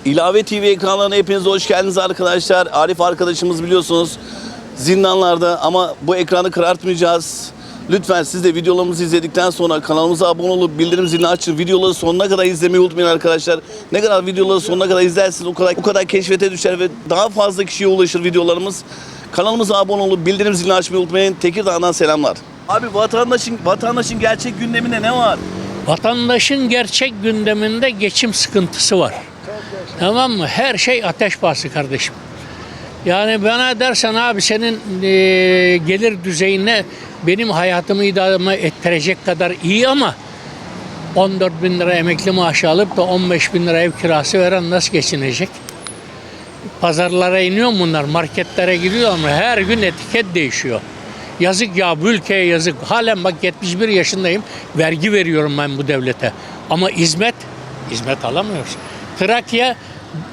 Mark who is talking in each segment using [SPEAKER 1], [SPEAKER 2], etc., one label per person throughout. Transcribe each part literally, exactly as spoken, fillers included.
[SPEAKER 1] İlave T V ekranlarına hepiniz hoş geldiniz arkadaşlar. Arif arkadaşımız biliyorsunuz zindanlarda ama bu ekranı karartmayacağız. Lütfen siz de videolarımızı izledikten sonra kanalımıza abone olup bildirim zilini açın. Videoları sonuna kadar izlemeyi unutmayın arkadaşlar. Ne kadar videoları sonuna kadar izlersiniz o kadar, o kadar keşfete düşer ve daha fazla kişiye ulaşır videolarımız. Kanalımıza abone olup bildirim zilini açmayı unutmayın. Tekirdağ'dan selamlar. Abi vatandaşın, vatandaşın gerçek gündeminde ne var?
[SPEAKER 2] Vatandaşın gerçek gündeminde geçim sıkıntısı var. Tamam mı? Her şey ateş pahası kardeşim. Yani bana dersen abi senin e, gelir düzeyine benim hayatımı idame ettirecek kadar iyi ama on dört bin lira emekli maaşı alıp da on beş bin lira ev kirası veren nasıl geçinecek? Pazarlara iniyor bunlar, marketlere gidiyor ama her gün etiket değişiyor. Yazık ya, bu ülkeye yazık. Halen bak yetmiş bir yaşındayım, vergi veriyorum ben bu devlete. Ama hizmet, hizmet alamıyoruz. Trakya, e,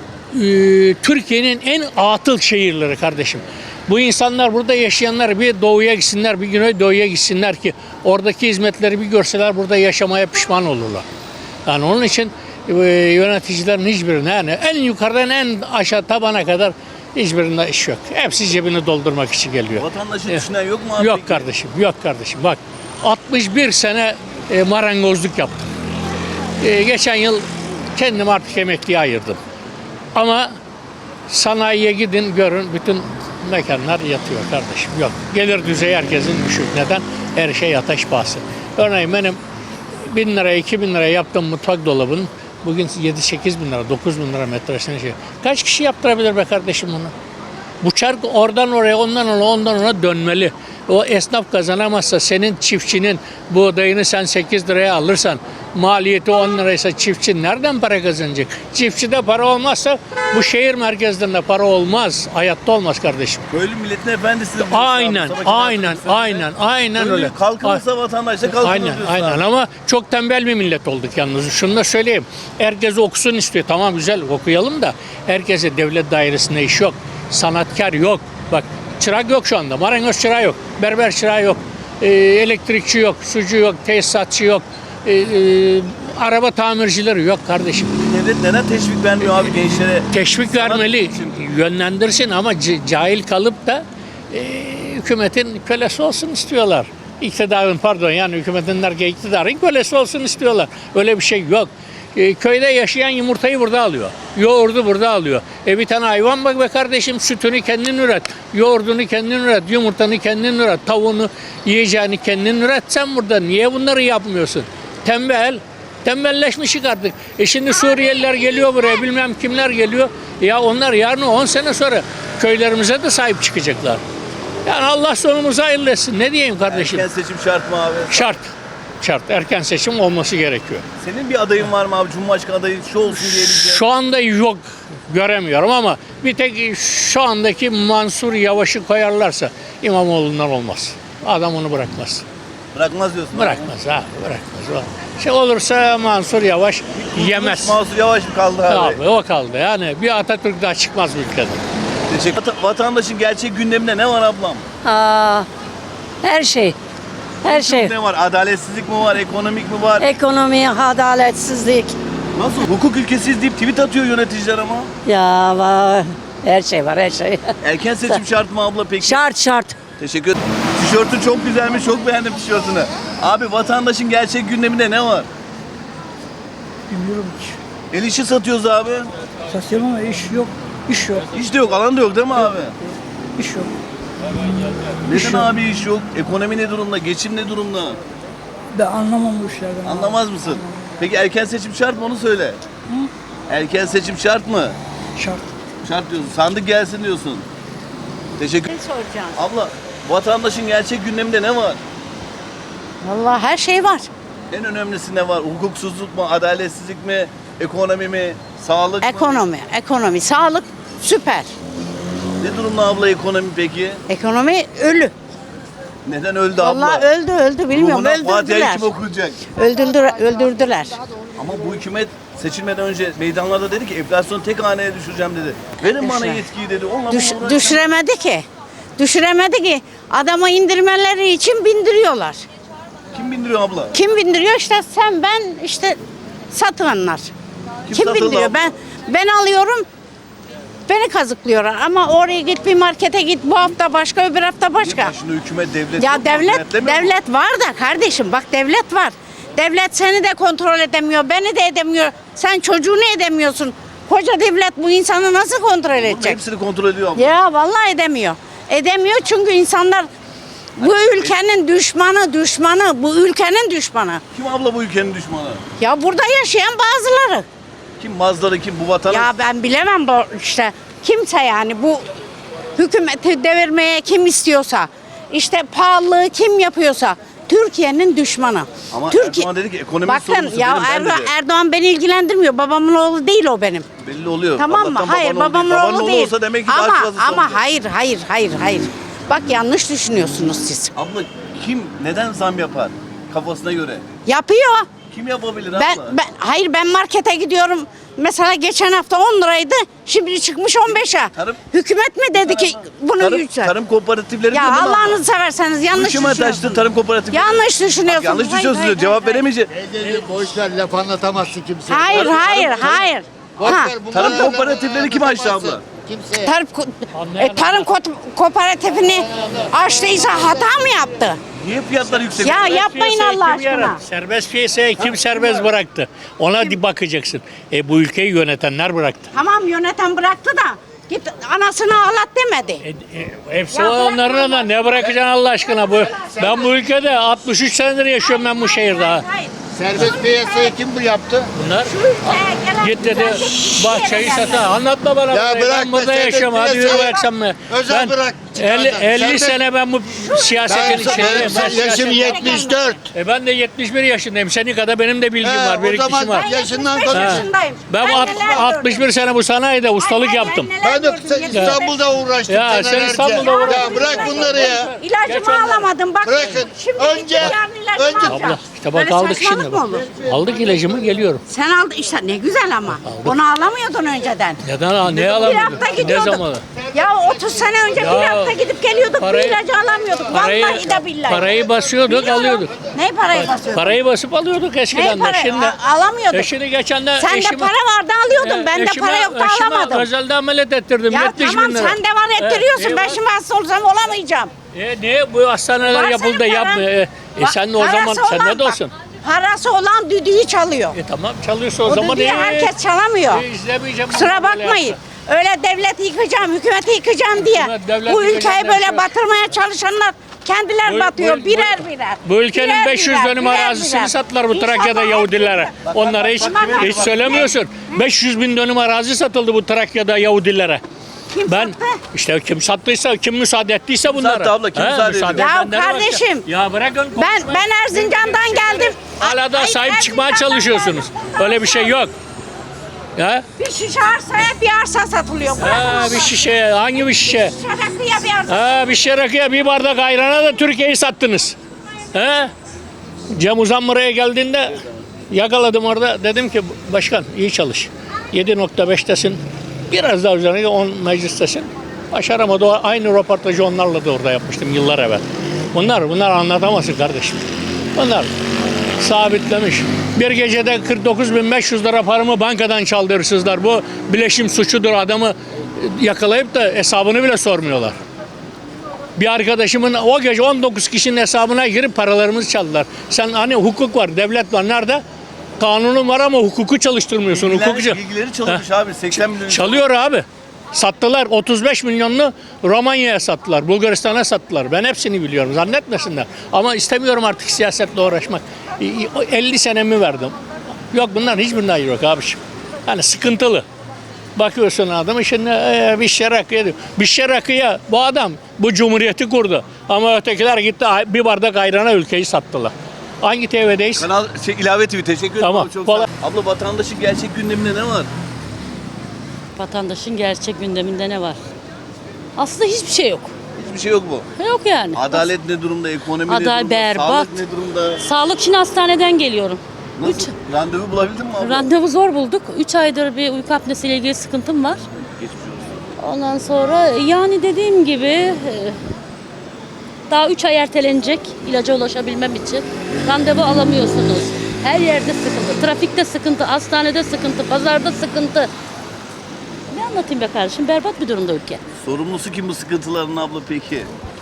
[SPEAKER 2] Türkiye'nin en atıl şehirleri kardeşim. Bu insanlar, burada yaşayanlar bir doğuya gitsinler, bir güneydoğuya gitsinler ki oradaki hizmetleri bir görseler burada yaşamaya pişman olurlar. Yani onun için e, yöneticilerin hiçbirine, yani en yukarıdan en aşağı tabana kadar hiçbirinde iş yok. Hepsi cebini doldurmak için geliyor.
[SPEAKER 1] Vatandaşı düşünen yok mu abi?
[SPEAKER 2] Yok
[SPEAKER 1] peki?
[SPEAKER 2] kardeşim, yok kardeşim. Bak altmış bir sene e, marangozluk yaptım. E, geçen yıl kendim artık emekliye ayırdım. Ama sanayiye gidin görün, bütün mekanlar yatıyor kardeşim. Yok. Gelir düzeyi herkesin düşük. Neden? Her şey ateş pahası. Örneğin benim bin liraya, iki bin liraya yaptığım mutfak dolabının bugün yedi sekiz bin lira, dokuz bin lira metresine şey. Kaç kişi yaptırabilir be kardeşim bunu? Bu çark oradan oraya, ondan ona, ondan ona dönmeli. O esnaf kazanamazsa senin çiftçinin buğdayını sen sekiz liraya alırsan, maliyeti on liraysa çiftçi nereden para kazanacak? Çiftçide para olmazsa bu şehir merkezlerinde para olmaz. Hayatta olmaz kardeşim.
[SPEAKER 1] Köylü milletin efendisi de bu.
[SPEAKER 2] Aynen, aynen, aynen, aynen
[SPEAKER 1] Köylü
[SPEAKER 2] öyle.
[SPEAKER 1] kalkınırsa vatandaş da kalkınır
[SPEAKER 2] Aynen,
[SPEAKER 1] diyorsun
[SPEAKER 2] aynen
[SPEAKER 1] abi.
[SPEAKER 2] ama çok tembel bir millet olduk yalnız. Şunu da söyleyeyim. Herkes okusun istiyor. Tamam güzel okuyalım da herkese devlet dairesinde iş yok. Sanatkar yok. Bak çırak yok şu anda. Marangoz çırağı yok. Berber çırağı yok. Ee, elektrikçi yok. Sucu yok. Tesisatçı yok. Ee, e, araba tamircileri yok kardeşim.
[SPEAKER 1] Devlet neden teşvik vermiyor abi gençlere?
[SPEAKER 2] Teşvik
[SPEAKER 1] Sanat
[SPEAKER 2] vermeli,
[SPEAKER 1] için.
[SPEAKER 2] yönlendirsin ama c- cahil kalıp da e, hükümetin kölesi olsun istiyorlar. İktidarın pardon yani hükümetin derken iktidarın kölesi olsun istiyorlar. Öyle bir şey yok. E, köyde yaşayan yumurtayı burada alıyor. Yoğurdu burada alıyor. E bir tane hayvan bak be kardeşim, sütünü kendin üret. Yoğurdunu kendin üret. Yumurtanı kendin üret. Tavuğunu, yiyeceğini kendin üret. Sen burada niye bunları yapmıyorsun? Tembel. Tembelleşmişik artık. E şimdi Suriyeliler geliyor buraya, bilmem kimler geliyor. Ya onlar yarın on sene sonra köylerimize de sahip çıkacaklar. Yani Allah sonumuzu hayırlı etsin. Ne diyeyim kardeşim?
[SPEAKER 1] Erken seçim şart mı abi?
[SPEAKER 2] Şart. Şart. Erken seçim olması gerekiyor.
[SPEAKER 1] Senin bir adayın var mı abi? Cumhurbaşkanı adayı şu olsun diyebileceğin.
[SPEAKER 2] Şu anda yok, göremiyorum ama bir tek şu andaki Mansur Yavaş'ı koyarlarsa İmamoğlu'ndan olmaz. Adam onu bırakmaz.
[SPEAKER 1] Bırakmaz diyorsun. abi.
[SPEAKER 2] Bırakmaz ha, bırakmaz. Şey olursa Mansur Yavaş yemez.
[SPEAKER 1] Mansur Yavaş mı kaldı abi?
[SPEAKER 2] Abi o kaldı yani bir Atatürk daha çıkmaz bu ülkeden.
[SPEAKER 1] Teşekkür. Vata- Vatandaşın gerçek gündeminde ne var ablam?
[SPEAKER 3] Aa, her şey. Her şey.
[SPEAKER 1] Ne var? Adaletsizlik mi var? Ekonomik mi var?
[SPEAKER 3] Ekonomi, adaletsizlik.
[SPEAKER 1] Nasıl? Hukuk ülkesiyiz deyip tweet atıyor yöneticiler ama.
[SPEAKER 3] Ya var. Her şey var, her şey.
[SPEAKER 1] Erken seçim şart mı abla peki?
[SPEAKER 3] Şart şart.
[SPEAKER 1] Teşekkür ederim. Tişörtün çok güzelmiş. Çok beğendim tişörtünü. Abi vatandaşın gerçek gündeminde ne var?
[SPEAKER 4] Bilmiyorum ki.
[SPEAKER 1] El işi satıyoruz abi.
[SPEAKER 4] Satıyorum ama iş yok. İş yok.
[SPEAKER 1] Hiç de yok. Alan da yok değil mi abi?
[SPEAKER 4] İş yok.
[SPEAKER 1] Neden abi iş yok? Ekonomi ne durumda? Geçim ne durumda?
[SPEAKER 4] Ben anlamam bu işlerden.
[SPEAKER 1] Anlamaz mısın? Peki erken seçim şart mı? Onu söyle. Erken seçim şart mı?
[SPEAKER 4] Şart.
[SPEAKER 1] Şart diyorsun. Sandık gelsin diyorsun. Teşekkür.
[SPEAKER 3] Ne soracağım?
[SPEAKER 1] Abla, vatandaşın gerçek gündeminde ne var?
[SPEAKER 3] Vallahi her şey var.
[SPEAKER 1] En önemlisi ne var? Hukuksuzluk mu, adaletsizlik mi, ekonomi mi, sağlık mı?
[SPEAKER 3] Ekonomi, ekonomi, sağlık süper.
[SPEAKER 1] Ne durumda abla ekonomi peki?
[SPEAKER 3] Ekonomi ölü.
[SPEAKER 1] Neden öldü abla?
[SPEAKER 3] Vallahi öldü, öldü bilmiyorum.
[SPEAKER 1] Ruhuna Fatiha
[SPEAKER 3] Öldürdüler.
[SPEAKER 1] kim okuyacak?
[SPEAKER 3] Öldürdüler, öldürdüler.
[SPEAKER 1] Ama bu hükümet seçilmeden önce meydanlarda dedi ki enflasyonu tek haneye düşüreceğim dedi. Verin bana
[SPEAKER 3] Düşüre-
[SPEAKER 1] yetkiyi dedi. Onunla
[SPEAKER 3] Düş,
[SPEAKER 1] bunu uğraşacağım.
[SPEAKER 3] düşüremedi ki. Düşüremedi ki. Adamı indirmeleri için bindiriyorlar.
[SPEAKER 1] Kim bindiriyor abla?
[SPEAKER 3] Kim bindiriyor? İşte sen, ben, işte satılanlar.
[SPEAKER 1] Kim
[SPEAKER 3] Kim,
[SPEAKER 1] satıldı
[SPEAKER 3] bindiriyor?
[SPEAKER 1] abla?
[SPEAKER 3] Ben Ben alıyorum. Beni kazıklıyorlar ama oraya git bir markete git bu hafta başka öbür hafta başka.
[SPEAKER 1] Başında hükümet, devlet
[SPEAKER 3] Ya
[SPEAKER 1] yok mu?
[SPEAKER 3] devlet
[SPEAKER 1] Denetlemiyor mu?
[SPEAKER 3] devlet var da kardeşim bak devlet var. Devlet seni de kontrol edemiyor, beni de edemiyor. Sen çocuğunu edemiyorsun. Koca devlet bu insanı nasıl kontrol
[SPEAKER 1] Bunun
[SPEAKER 3] edecek?
[SPEAKER 1] hepsini kontrol ediyor abla.
[SPEAKER 3] Ya vallahi edemiyor. Edemiyor çünkü insanlar bu ülkenin düşmanı, düşmanı, bu ülkenin düşmanı.
[SPEAKER 1] Kim abla bu ülkenin düşmanı?
[SPEAKER 3] Ya burada yaşayan bazıları.
[SPEAKER 1] Kim Mazları, kim bu vatanı?
[SPEAKER 3] Ya ben bilemem bu işte kimse yani bu hükümeti devirmeye kim istiyorsa, işte pahalılığı kim yapıyorsa Türkiye'nin düşmanı.
[SPEAKER 1] Ama
[SPEAKER 3] Türkiye...
[SPEAKER 1] Erdoğan dedi ki ekonomi
[SPEAKER 3] Bakın
[SPEAKER 1] sorumlusu
[SPEAKER 3] ya
[SPEAKER 1] benim, ben
[SPEAKER 3] Erdoğan,
[SPEAKER 1] dedi.
[SPEAKER 3] Erdoğan beni ilgilendirmiyor. Babamın oğlu değil o benim.
[SPEAKER 1] Belli oluyor.
[SPEAKER 3] Tamam mı?
[SPEAKER 1] Allah'tan
[SPEAKER 3] Hayır
[SPEAKER 1] baban
[SPEAKER 3] babamın
[SPEAKER 1] değil. Babanın
[SPEAKER 3] oğlu değil.
[SPEAKER 1] olsa demek ki
[SPEAKER 3] ama
[SPEAKER 1] daha fazla
[SPEAKER 3] ama
[SPEAKER 1] olacak.
[SPEAKER 3] hayır hayır hayır hayır. Bak yanlış düşünüyorsunuz siz.
[SPEAKER 1] Abla kim neden zam yapar kafasına göre?
[SPEAKER 3] Yapıyor.
[SPEAKER 1] Kim yapabilir
[SPEAKER 3] Ben,
[SPEAKER 1] abla?
[SPEAKER 3] ben hayır ben markete gidiyorum. Mesela geçen hafta on liraydı. Şimdi çıkmış on beşe.
[SPEAKER 1] Tarım-
[SPEAKER 3] Hükümet mi dedi ki bunu
[SPEAKER 1] tarım,
[SPEAKER 3] yüksel?
[SPEAKER 1] tarım kooperatifleri
[SPEAKER 3] Ya
[SPEAKER 1] diyor değil mi abla?
[SPEAKER 3] Allah'ınızı severseniz yanlış
[SPEAKER 1] Hükümet açtı
[SPEAKER 3] düşünüyorsunuz.
[SPEAKER 1] tarım kooperatifleri.
[SPEAKER 3] Yanlış düşünüyorsunuz.
[SPEAKER 1] Bak, yanlış
[SPEAKER 3] Hayır,
[SPEAKER 1] düşünüyorsunuz.
[SPEAKER 3] hayır,
[SPEAKER 1] Cevap
[SPEAKER 3] hayır,
[SPEAKER 1] veremeyecek.
[SPEAKER 5] Teyzeciğim boş ver laf anlatamazsın kimseye.
[SPEAKER 3] Hayır
[SPEAKER 1] Tarım-
[SPEAKER 3] hayır
[SPEAKER 1] tarım-
[SPEAKER 3] hayır.
[SPEAKER 5] Boş
[SPEAKER 3] Ha.
[SPEAKER 5] ver, bunları
[SPEAKER 1] Tarım
[SPEAKER 5] laf
[SPEAKER 1] kooperatifleri kim açtı
[SPEAKER 5] anlatamazsın
[SPEAKER 1] abla?
[SPEAKER 5] Kimseye.
[SPEAKER 3] Tarım, ko- e, tarım ko- kooperatifini açtıysa hata mı yaptı?
[SPEAKER 1] Niye fiyatlar yüksek?
[SPEAKER 3] Ya yapmayın
[SPEAKER 2] Piyasayı
[SPEAKER 3] Allah
[SPEAKER 2] kim yarattı?
[SPEAKER 3] aşkına.
[SPEAKER 2] Serbest piyasayı kim serbest bıraktı? Ona di bakacaksın. E bu ülkeyi yönetenler bıraktı.
[SPEAKER 3] Tamam yöneten bıraktı da git anasını ağlat demedi.
[SPEAKER 2] E, e, hepsi
[SPEAKER 3] Ya
[SPEAKER 2] onların
[SPEAKER 3] bırakma
[SPEAKER 2] da ne bırakacaksın Allah aşkına bu? Ben bu ülkede altmış üç senedir yaşıyorum ben bu şehirde. ha.
[SPEAKER 3] Hayır.
[SPEAKER 5] Serbest piyasayı kim bu yaptı?
[SPEAKER 2] Bunlar
[SPEAKER 3] Şu ülkeye gelen
[SPEAKER 2] git dedi
[SPEAKER 3] güzellik hiçbir
[SPEAKER 2] bahçeyi
[SPEAKER 3] yere
[SPEAKER 2] sata.
[SPEAKER 3] gelmez.
[SPEAKER 2] Anlatma bana.
[SPEAKER 5] Ya
[SPEAKER 2] burayı.
[SPEAKER 5] bırak
[SPEAKER 2] ben burada
[SPEAKER 5] meselesi,
[SPEAKER 2] yaşıyorum. Hadi yürü
[SPEAKER 5] piyasayı
[SPEAKER 2] bıraksam mı?
[SPEAKER 5] özel
[SPEAKER 2] Ben
[SPEAKER 5] bırak,
[SPEAKER 2] elli,
[SPEAKER 5] çıkardan.
[SPEAKER 2] elli
[SPEAKER 5] Serbest-
[SPEAKER 2] sene ben bu
[SPEAKER 5] Ben,
[SPEAKER 2] siyasetin
[SPEAKER 5] ben,
[SPEAKER 2] içindeyim. Ben
[SPEAKER 5] yaşım
[SPEAKER 2] siyaset-
[SPEAKER 5] yetmiş dört.
[SPEAKER 2] E ben de yetmiş bir yaşındayım. Senin kadar benim de bilgim
[SPEAKER 5] He,
[SPEAKER 2] var.
[SPEAKER 5] o
[SPEAKER 2] Birikmişim
[SPEAKER 5] zaman
[SPEAKER 2] var.
[SPEAKER 3] Ben
[SPEAKER 5] yaşından
[SPEAKER 3] yetmiş beş
[SPEAKER 5] konuş.
[SPEAKER 3] yaşındayım.
[SPEAKER 2] Ben alt-
[SPEAKER 3] neler
[SPEAKER 2] altmış bir
[SPEAKER 3] gördüm.
[SPEAKER 2] sene bu sanayide ustalık
[SPEAKER 3] Ay, ay,
[SPEAKER 2] yaptım.
[SPEAKER 3] neler
[SPEAKER 5] Ben de
[SPEAKER 3] gördüm, yetmiş beş.
[SPEAKER 5] İstanbul'da uğraştım
[SPEAKER 2] Ya, sen
[SPEAKER 5] senelerce.
[SPEAKER 2] İstanbul'da uğraştın.
[SPEAKER 5] Ya bırak bunları ya.
[SPEAKER 2] Geç
[SPEAKER 3] İlacımı
[SPEAKER 2] onları.
[SPEAKER 3] alamadım bak.
[SPEAKER 5] Bırakın.
[SPEAKER 3] Şimdi
[SPEAKER 5] Önce-
[SPEAKER 3] gittim yarın ilacımı
[SPEAKER 5] önce-
[SPEAKER 3] alacağım.
[SPEAKER 2] Abla işte bak
[SPEAKER 3] Böyle
[SPEAKER 2] aldık
[SPEAKER 3] saçmalık
[SPEAKER 2] şimdi.
[SPEAKER 3] mı olur?
[SPEAKER 2] Aldık ilacımı geliyorum.
[SPEAKER 3] Sen aldın işte ne güzel ama. Onu alamıyordun önceden.
[SPEAKER 2] Neden ne
[SPEAKER 3] Bir
[SPEAKER 2] alamıyorduk?
[SPEAKER 3] hafta
[SPEAKER 2] Ne
[SPEAKER 3] gidiyorduk.
[SPEAKER 2] zaman?
[SPEAKER 3] Ya otuz sene önce
[SPEAKER 2] Ya,
[SPEAKER 3] bir hafta gidip geliyorduk.
[SPEAKER 2] parayı-
[SPEAKER 3] bir ilacı alamıyorduk.
[SPEAKER 2] Parayı,
[SPEAKER 3] Vallahi de billahi.
[SPEAKER 2] parayı basıyorduk
[SPEAKER 3] Biliyorum.
[SPEAKER 2] alıyorduk.
[SPEAKER 3] Ne parayı basıyordun?
[SPEAKER 2] Parayı basıp alıyorduk
[SPEAKER 3] Ne
[SPEAKER 2] eskiden de.
[SPEAKER 3] parayı?
[SPEAKER 2] Şimdi,
[SPEAKER 3] A- alamıyorduk.
[SPEAKER 2] e şimdi geçen de
[SPEAKER 3] Sende
[SPEAKER 2] eşime-
[SPEAKER 3] para vardı alıyordun.
[SPEAKER 2] E,
[SPEAKER 3] Bende
[SPEAKER 2] eşime-
[SPEAKER 3] para yoktu
[SPEAKER 2] eşime
[SPEAKER 3] alamadım.
[SPEAKER 2] özelde ameliyat ettirdim.
[SPEAKER 3] Ya
[SPEAKER 2] yetmiş
[SPEAKER 3] tamam
[SPEAKER 2] bin lira.
[SPEAKER 3] sen de var ettiriyorsun.
[SPEAKER 2] E,
[SPEAKER 3] ben
[SPEAKER 2] e,
[SPEAKER 3] şimdi hasta olsam olamayacağım.
[SPEAKER 2] E, niye bu hastaneler
[SPEAKER 3] Var
[SPEAKER 2] yapıldı
[SPEAKER 3] senin paran.
[SPEAKER 2] yapmıyor? E, e
[SPEAKER 3] Bak,
[SPEAKER 2] sen de o zaman
[SPEAKER 3] parası
[SPEAKER 2] sen
[SPEAKER 3] olan
[SPEAKER 2] ne de
[SPEAKER 3] bak,
[SPEAKER 2] olsun?
[SPEAKER 3] Parası olan düdüğü çalıyor.
[SPEAKER 2] E tamam çalıyorsa o,
[SPEAKER 3] O
[SPEAKER 2] zaman
[SPEAKER 3] düdüğü
[SPEAKER 2] e,
[SPEAKER 3] herkes çalamıyor.
[SPEAKER 2] e, izlemeyeceğim.
[SPEAKER 3] Kusura
[SPEAKER 2] bunu böyle
[SPEAKER 3] bakmayın.
[SPEAKER 2] yapsa.
[SPEAKER 3] Öyle devleti yıkacağım, hükümeti yıkacağım diye.
[SPEAKER 2] Hükümet, devlet
[SPEAKER 3] Bu
[SPEAKER 2] yıkacağım
[SPEAKER 3] ülkeyi
[SPEAKER 2] diye
[SPEAKER 3] böyle
[SPEAKER 2] şey-
[SPEAKER 3] batırmaya çalışanlar kendiler
[SPEAKER 2] Bu-
[SPEAKER 3] batıyor
[SPEAKER 2] bu-
[SPEAKER 3] birer
[SPEAKER 2] bu-
[SPEAKER 3] birer.
[SPEAKER 2] Bu ülkenin
[SPEAKER 3] Birer
[SPEAKER 2] beş yüz
[SPEAKER 3] birer,
[SPEAKER 2] dönüm
[SPEAKER 3] birer
[SPEAKER 2] arazisini
[SPEAKER 3] birer.
[SPEAKER 2] sattılar bu
[SPEAKER 3] İnşallah
[SPEAKER 2] Trakya'da
[SPEAKER 3] hepsi
[SPEAKER 2] Yahudilere.
[SPEAKER 3] birer.
[SPEAKER 2] Onlara hiç,
[SPEAKER 3] Aman
[SPEAKER 2] hiç
[SPEAKER 3] Allah'ım.
[SPEAKER 2] söylemiyorsun. beş yüz bin dönüm arazi satıldı bu Trakya'da Yahudilere.
[SPEAKER 3] Kim
[SPEAKER 2] Ben
[SPEAKER 3] sattı?
[SPEAKER 2] işte kim sattıysa, kim müsaade ettiyse bunlara.
[SPEAKER 1] sattı abla, kim
[SPEAKER 2] He,
[SPEAKER 1] müsaade ediyor?
[SPEAKER 3] Ya
[SPEAKER 2] edenleri başka.
[SPEAKER 3] kardeşim,
[SPEAKER 2] Ya bırakın
[SPEAKER 3] Ben
[SPEAKER 2] konuşmayı.
[SPEAKER 3] ben Erzincan'dan geldim.
[SPEAKER 2] Hala da
[SPEAKER 3] Ay,
[SPEAKER 2] sahip çıkmaya
[SPEAKER 3] Erzincan'dan
[SPEAKER 2] çalışıyorsunuz.
[SPEAKER 3] geldim.
[SPEAKER 2] Öyle bir şey yok. Ya,
[SPEAKER 3] Bir şişe arsaya bir arsa satılıyor.
[SPEAKER 2] ha,
[SPEAKER 3] Bırakın
[SPEAKER 2] bir
[SPEAKER 3] Allah.
[SPEAKER 2] şişe, hangi bir şişe?
[SPEAKER 3] Şişe rakıya bir arsa.
[SPEAKER 2] Ha, bir şişe rakıya, bir bardak ayrana da Türkiye'yi sattınız. He? Cem Uzan buraya geldiğinde yakaladım orada. Dedim ki başkan iyi çalış. yedi nokta beştesin. Biraz daha üzerine on meclistesin. Başaramadı. O aynı röportajı onlarla da orada yapmıştım yıllar evvel. Bunlar, bunlar anlatamazsın kardeşim. Bunlar sabitlemiş. Bir gecede kırk dokuz bin beş yüz lira paramı bankadan çaldı hırsızlar. Bu bileşim suçudur. Adamı yakalayıp da hesabını bile sormuyorlar. Bir arkadaşımın o gece on dokuz kişinin hesabına girip paralarımızı çaldılar. Sen hani hukuk var, devlet var. Nerede? Kanunun var ama hukuku çalıştırmıyorsun.
[SPEAKER 1] Bilgiler-
[SPEAKER 2] Hukukçu.
[SPEAKER 1] Bilgileri çalınmış abi. seksen milyon.
[SPEAKER 2] Çalıyor abi. Sattılar. otuz beş milyonlu Romanya'ya sattılar. Bulgaristan'a sattılar. Ben hepsini biliyorum. Zannetmesinler. Ama istemiyorum artık siyasetle uğraşmak. elli senemi verdim. Yok bunların hiçbirinden hayır yok abiciğim. Yani sıkıntılı. Bakıyorsun adam şimdi e, bir şey rakıya diyor. Bir şey rakıya bu adam bu cumhuriyeti kurdu. Ama ötekiler gitti bir bardak ayrana ülkeyi sattılar. Hangi T V'deyiz?
[SPEAKER 1] Kanal şey, ilave T V teşekkür ederim.
[SPEAKER 2] Tamam,
[SPEAKER 1] abi, çok sağ ol.
[SPEAKER 2] kolay-
[SPEAKER 1] Abla vatandaşın gerçek gündeminde ne var?
[SPEAKER 6] Vatandaşın gerçek gündeminde ne var? Aslında hiçbir şey yok.
[SPEAKER 1] Hiçbir şey yok mu?
[SPEAKER 6] Yok yani.
[SPEAKER 1] Adalet ne durumda? Ekonomi ne
[SPEAKER 6] Adalet
[SPEAKER 1] durumda?
[SPEAKER 6] berbat.
[SPEAKER 1] Sağlık ne durumda?
[SPEAKER 6] Sağlık için hastaneden geliyorum.
[SPEAKER 1] Nasıl?
[SPEAKER 6] Üç,
[SPEAKER 1] Randevu bulabildin mi abla?
[SPEAKER 6] randevu zor bulduk. üç aydır bir uyku apnesiyle ilgili sıkıntım var.
[SPEAKER 1] Geçmiş olsun.
[SPEAKER 6] Ondan sonra yani dediğim gibi e, daha üç ay ertelenecek ilaca ulaşabilmem için. Randevu alamıyorsunuz. Her yerde sıkıntı. Trafikte sıkıntı, hastanede sıkıntı, pazarda sıkıntı. anlatayım be kardeşim? Berbat bir durumda ülke.
[SPEAKER 1] Sorumlusu kim bu sıkıntıların abla peki?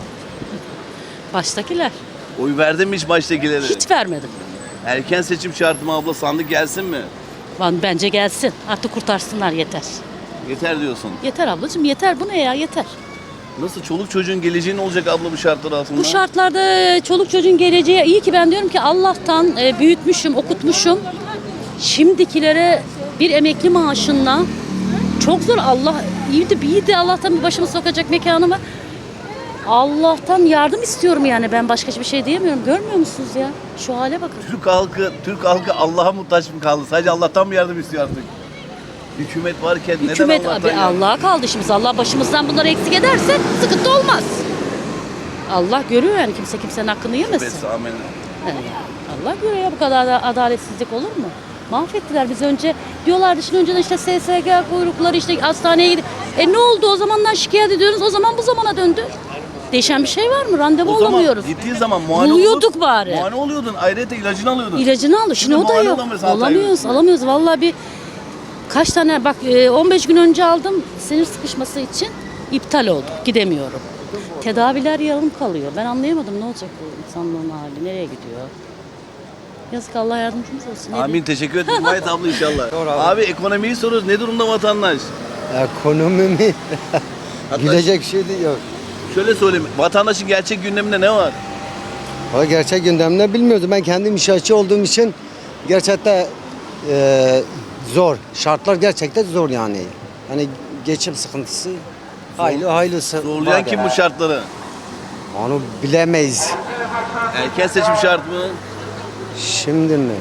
[SPEAKER 6] Baştakiler.
[SPEAKER 1] Oy verdin mi hiç baştakilere?
[SPEAKER 6] Hiç vermedim.
[SPEAKER 1] Erken seçim şartı mı abla, sandık gelsin mi?
[SPEAKER 6] Lan bence gelsin. Artık kurtarsınlar yeter.
[SPEAKER 1] Yeter diyorsun.
[SPEAKER 6] Yeter ablacığım yeter. Bu ne ya yeter.
[SPEAKER 1] Nasıl çoluk çocuğun geleceği ne olacak abla bu şartlar altında?
[SPEAKER 6] Bu şartlarda çoluk çocuğun geleceği iyi ki ben diyorum ki Allah'tan e, büyütmüşüm, okutmuşum. Şimdikilere bir emekli maaşınla çok zor. Allah iyi de iyi de Allah'tan bir başımı sokacak mekanı var. Allah'tan yardım istiyorum yani ben başka hiçbir şey diyemiyorum. Görmüyor musunuz ya? Şu hale bakın.
[SPEAKER 1] Türk halkı, Türk halkı Allah'a muhtaç mı kaldı? Sadece Allah'tan mı yardım istiyor artık? Hükümet varken
[SPEAKER 6] Hükümet
[SPEAKER 1] neden
[SPEAKER 6] abi
[SPEAKER 1] Allah'tan yardım?
[SPEAKER 6] Allah'a kaldı şimdi. Allah başımızdan bunları eksik ederse sıkıntı olmaz. Allah görüyor yani kimse kimsenin hakkını yemesin.
[SPEAKER 1] Bes, amin.
[SPEAKER 6] He, Allah görüyor ya bu kadar da adaletsizlik olur mu? Mahvettiler bizi önce. Diyorlardı şimdi önceden işte S S G kuyrukları işte hastaneye gidip. E ne oldu o zamandan şikayet ediyoruz o zaman bu zamana döndü. Değişen bir şey var mı? Randevu
[SPEAKER 1] O zaman
[SPEAKER 6] olamıyoruz.
[SPEAKER 1] gittiği zaman muayene
[SPEAKER 6] Buluyorduk
[SPEAKER 1] oluyordun,
[SPEAKER 6] bari.
[SPEAKER 1] Muayene oluyordun, ayrıca ilacını alıyordun.
[SPEAKER 6] İlacını aldı. Şimdi
[SPEAKER 1] Şimdi
[SPEAKER 6] o da
[SPEAKER 1] muayene
[SPEAKER 6] yok.
[SPEAKER 1] olamıyoruz altı ay
[SPEAKER 6] Alamıyoruz,
[SPEAKER 1] öncesinde.
[SPEAKER 6] alamıyoruz. Vallahi bir kaç tane bak e, on beş gün önce aldım sinir sıkışması için iptal oldu. Gidemiyorum. Tedaviler yarım kalıyor. Ben anlayamadım ne olacak bu insanlığın hali. Nereye gidiyor? Yazık Allah yardımcımız olsun. Ne
[SPEAKER 1] Amin, teşekkür ederim. Mayet abla inşallah. Abi ekonomiyi soruyoruz. Ne durumda vatandaş?
[SPEAKER 7] Ekonomi mi?
[SPEAKER 1] Hatta
[SPEAKER 7] Gülecek şey de yok.
[SPEAKER 1] şöyle söyleyeyim. Vatandaşın gerçek gündeminde ne var?
[SPEAKER 7] O gerçek gündemde bilmiyordum. Ben kendim inşaatçı olduğum için gerçekten e, zor. Şartlar gerçekten zor yani. Hani geçim sıkıntısı hayli haylısı.
[SPEAKER 1] Zorlayan
[SPEAKER 7] var
[SPEAKER 1] kim
[SPEAKER 7] ya.
[SPEAKER 1] bu şartları?
[SPEAKER 7] Onu bilemeyiz.
[SPEAKER 1] Erken seçim şart mı?
[SPEAKER 7] Şimdi mi?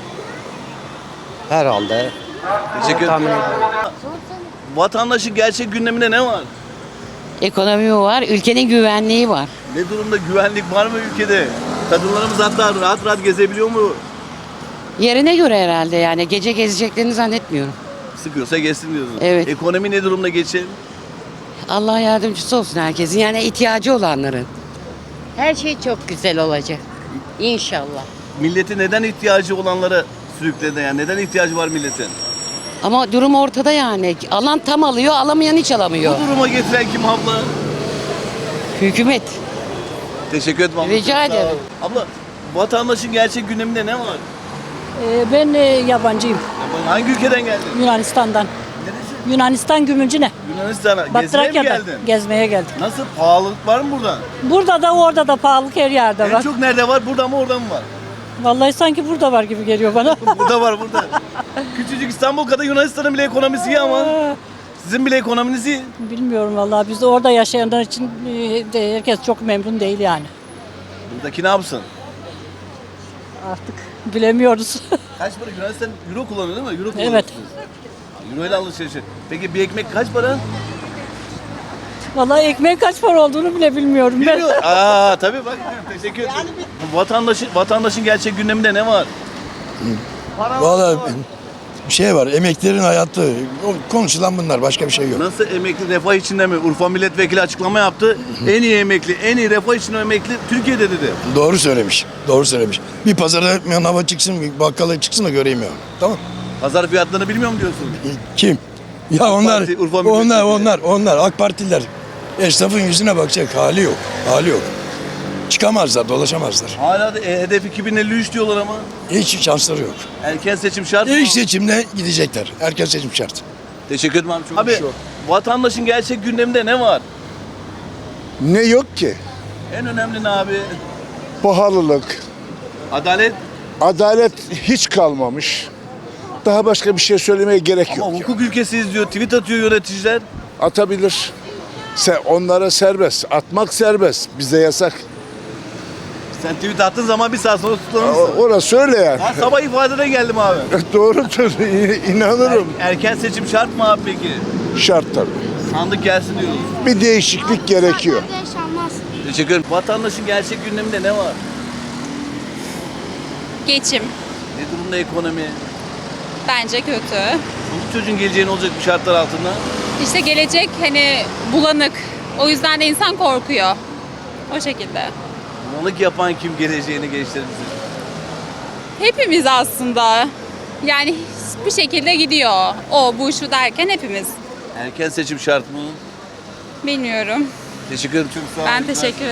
[SPEAKER 7] Herhalde.
[SPEAKER 1] Teşekkür
[SPEAKER 7] Tahmin
[SPEAKER 1] ederim.
[SPEAKER 7] ediyorum.
[SPEAKER 1] Vatandaşın gerçek gündeminde ne var?
[SPEAKER 8] Ekonomi var, ülkenin güvenliği var.
[SPEAKER 1] Ne durumda, güvenlik var mı ülkede? Kadınlarımız hatta rahat rahat gezebiliyor mu?
[SPEAKER 8] Yerine göre herhalde yani gece gezeceklerini zannetmiyorum.
[SPEAKER 1] Sıkıyorsa geçsin diyorsun.
[SPEAKER 8] Evet.
[SPEAKER 1] Ekonomi ne durumda geçin?
[SPEAKER 8] Allah yardımcısı olsun herkesin yani ihtiyacı olanların. Her şey çok güzel olacak. İnşallah.
[SPEAKER 1] Milleti neden ihtiyacı olanlara sürükledi yani? Neden ihtiyacı var milletin?
[SPEAKER 8] Ama durum ortada yani. Alan tam alıyor, alamayan hiç alamıyor.
[SPEAKER 1] Bu duruma getiren kim abla?
[SPEAKER 8] Hükümet.
[SPEAKER 1] Teşekkür ederim abla.
[SPEAKER 8] Rica
[SPEAKER 1] Çok sağ ol.
[SPEAKER 8] ederim.
[SPEAKER 1] Abla, vatandaşın gerçek gündeminde ne var?
[SPEAKER 4] Ee, ben e, yabancıyım.
[SPEAKER 1] Abla, hangi ülkeden geldin?
[SPEAKER 4] Yunanistan'dan.
[SPEAKER 1] Neresi?
[SPEAKER 4] Yunanistan Gümülcine.
[SPEAKER 1] Yunanistan'a.
[SPEAKER 4] Bak
[SPEAKER 1] Gezmeye mi
[SPEAKER 4] Trakya'da
[SPEAKER 1] geldin?
[SPEAKER 4] gezmeye geldim.
[SPEAKER 1] Nasıl? Pahalılık var mı burada?
[SPEAKER 4] Burada da orada da pahalılık her yerde
[SPEAKER 1] En
[SPEAKER 4] var.
[SPEAKER 1] çok nerede var? Burada mı orada mı var?
[SPEAKER 4] Vallahi sanki burada var gibi geliyor bana.
[SPEAKER 1] Burada var burada. Küçücük İstanbul kadar Yunanistan'ın bile ekonomisi iyi ama. Sizin bile ekonominiz iyi.
[SPEAKER 4] Bilmiyorum vallahi biz de orada yaşayanlar için e, de herkes çok memnun değil yani.
[SPEAKER 1] Buradaki ne yapsın?
[SPEAKER 4] Artık bilemiyoruz.
[SPEAKER 1] Kaç para? Yunanistan euro kullanıyor değil mi? Euro
[SPEAKER 4] Evet.
[SPEAKER 1] kullanıyorsunuz. Euro ile alışveriş. Peki bir ekmek kaç para?
[SPEAKER 4] Vallahi ekmeğin kaç para olduğunu bile bilmiyorum ben.
[SPEAKER 1] Bilmiyorum. Aa tabii bak. Teşekkür ederim. Vatandaşın, vatandaşın gerçek gündeminde ne var?
[SPEAKER 9] Vallahi bir şey var. Emeklilerin hayatı. O konuşulan bunlar. Başka bir şey yok.
[SPEAKER 1] Nasıl emekli refah içinde mi? Urfa milletvekili açıklama yaptı. En iyi emekli, en iyi refah içinde emekli Türkiye'de dedi.
[SPEAKER 9] Doğru söylemiş. Doğru söylemiş. Bir pazara manava çıksın, bir bakkala çıksın da göreyim ya. Tamam.
[SPEAKER 1] Pazar fiyatlarını bilmiyor mu diyorsun?
[SPEAKER 9] Kim? Ya onlar,
[SPEAKER 1] Parti, Urfa
[SPEAKER 9] onlar,
[SPEAKER 1] milletvekili.
[SPEAKER 9] onlar, onlar. AK Partililer. Esnafın yüzüne bakacak hali yok. Hali yok. Çıkamazlar, dolaşamazlar.
[SPEAKER 1] Hala da e, hedef iki bin elli üç diyorlar ama.
[SPEAKER 9] Hiç şansları yok.
[SPEAKER 1] Erken seçim şart mı?
[SPEAKER 9] İlk seçimde gidecekler. Erken seçim şart.
[SPEAKER 1] Teşekkür ederim abi. Çok abi vatandaşın gerçek gündeminde ne var?
[SPEAKER 10] Ne yok ki?
[SPEAKER 1] En önemli ne abi?
[SPEAKER 10] Pahalılık,
[SPEAKER 1] Adalet.
[SPEAKER 10] adalet hiç kalmamış. Daha başka bir şey söylemeye gerek
[SPEAKER 1] Ama
[SPEAKER 10] yok.
[SPEAKER 1] hukuk ülkesiyiz diyor. Tweet atıyor yöneticiler.
[SPEAKER 10] Atabilir. Se onlara serbest. Atmak serbest. Bize yasak.
[SPEAKER 1] Sen tweet attığın zaman bir saat sonra
[SPEAKER 10] O-
[SPEAKER 1] tutuklanırsın.
[SPEAKER 10] Orası öyle yani.
[SPEAKER 1] Ben sabah ifadede geldim abi.
[SPEAKER 10] Doğrudur. İ- İnanırım.
[SPEAKER 1] Er- erken seçim şart mı abi peki?
[SPEAKER 10] Şart tabii.
[SPEAKER 1] Sandık gelsin diyoruz.
[SPEAKER 10] Bir değişiklik gerekiyor.
[SPEAKER 1] Teşekkür ederim. Vatandaşın gerçek gündeminde ne var?
[SPEAKER 11] Geçim
[SPEAKER 1] Ne durumda ekonomi?
[SPEAKER 11] bence kötü.
[SPEAKER 1] Çoluk çocuğun geleceği ne olacak bu şartlar altında?
[SPEAKER 11] İşte gelecek hani bulanık. O yüzden de insan korkuyor. O şekilde.
[SPEAKER 1] Bulanık yapan kim geleceğini gençlerimizin?
[SPEAKER 11] Hepimiz aslında. Yani bir şekilde gidiyor. O, bu, şu derken hepimiz.
[SPEAKER 1] Erken seçim şart mı?
[SPEAKER 11] Bilmiyorum.
[SPEAKER 1] Teşekkür ederim. Çok sağ olun.
[SPEAKER 11] Ben teşekkür ederim.